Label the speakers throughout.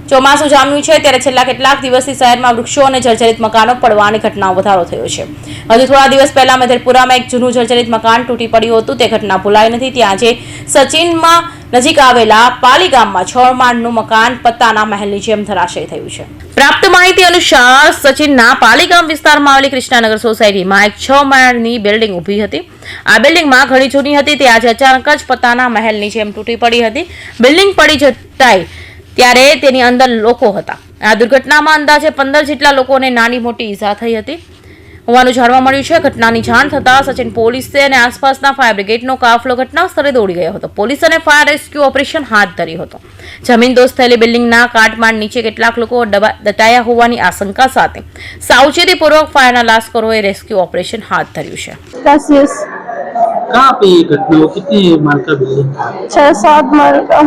Speaker 1: ચોમાસું જામ્યું છે ત્યારે છેલ્લા કેટલાક દિવસથી શહેરમાં વૃક્ષો અને જર્જરિત મકાનો પડવાની ઘટનાઓ વધારો થયો છે. હજુ થોડા દિવસ પહેલા મેધરપુરામાં એક જૂનું જર્જરિત મકાન તૂટી પડ્યું હતું. તે ઘટના ભૂલાઈ નથી. ત્યાં આજે સચિનમાં નજીક આવેલા પાલી ગામમાં 6 માળનું મકાન પત્તાના મહેલની જેમ ધરાશયી થયું છે. પ્રાપ્ત માહિતી અનુસાર સચિનના પાલીગામ વિસ્તારમાં આવેલી કૃષ્ણાનગર સોસાયટીમાં એક 6 માળની બિલ્ડિંગ ઊભી હતી. આ બિલ્ડિંગમાં ઘણી જૂની હતી. તે આજે અચાનક જ પત્તાના મહેલની જેમ તૂટી પડી હતી. બિલ્ડિંગ પડી જતાય ત્યારે તેની અંદર લોકો હતા. આ દુર્ઘટનામાં અંદાજે 15 જેટલા લોકોને નાની મોટી ઈજા થઈ હતી હોવાનું જાણવા મળ્યું છે. ઘટનાની જાણ થતાં સચિન પોલીસે અને આસપાસના ફાયર બ્રિગેડનો કાફલો ઘટના સ્થળે દોડી ગયો હતો. પોલીસ અને ફાયર રેસ્ક્યુ ઓપરેશન હાથ ધર્યું હતું. જમીનદોસ્ત થયેલી બિલ્ડિંગના કાટમાળ નીચે કેટલાક લોકો દટાયા હોવાની આશંકા સાથે સાવચેતીપૂર્વક ફાયરના લાશ્કરોએ રેસ્ક્યુ ઓપરેશન હાથ ધર્યું છે.
Speaker 2: कहाँ पे ये घटना हो? कितनी माल का बिल्डिंग?
Speaker 3: 6-7 माल का।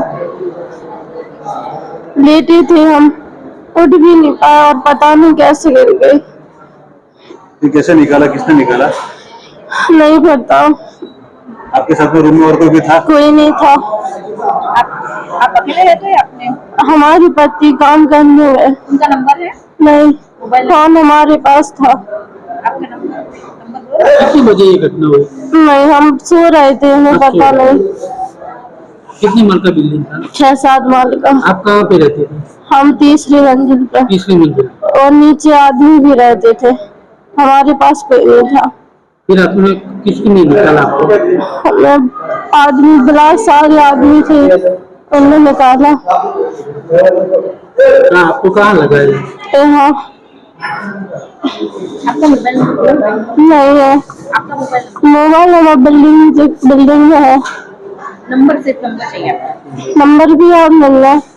Speaker 3: लेटी थी हम, उठ भी नहीं पाया और पता नहीं कैसे गिर गई।
Speaker 4: ये कैसे निकाला? किसने निकाला?
Speaker 3: नहीं पता।
Speaker 4: आपके साथ में रूम में और कोई भी था?
Speaker 3: कोई नहीं था।
Speaker 5: आप अकेले रहते हैं? अपने
Speaker 3: हमारे पति काम करने गए।
Speaker 5: उनका नंबर है?
Speaker 3: नहीं, फोन हमारे पास था।
Speaker 5: आपका नंबर
Speaker 2: कितनी बजे ये घटना हुई?
Speaker 3: नहीं, हम सो रहे थे, हमें पता नहीं।
Speaker 2: कितनी माल का बिल्डिंग था?
Speaker 3: 6-7 माल का।
Speaker 2: आप कहाँ पे रहते थे?
Speaker 3: हम तीसरी मंजिल पे
Speaker 2: तीसरी मंजिल।
Speaker 3: और नीचे आदमी भी रहते थे। हमारे पास कोई नहीं था।
Speaker 2: फिर आपने किसने निकाला आपको?
Speaker 3: हमें आदमी बुला, सारे आदमी थे, उन्होंने निकाला।
Speaker 2: कहाँ आपको कहाँ लगा है?
Speaker 3: यहाँ
Speaker 5: आपका मोबाइल
Speaker 3: नहीं है।
Speaker 5: आपका मोबाइल
Speaker 3: मोबाइल हमारा बिल्डिंग में है।
Speaker 5: नंबर सिर्फ नंबर चाहिए आपका।
Speaker 3: नंबर भी आप मिल रहा है।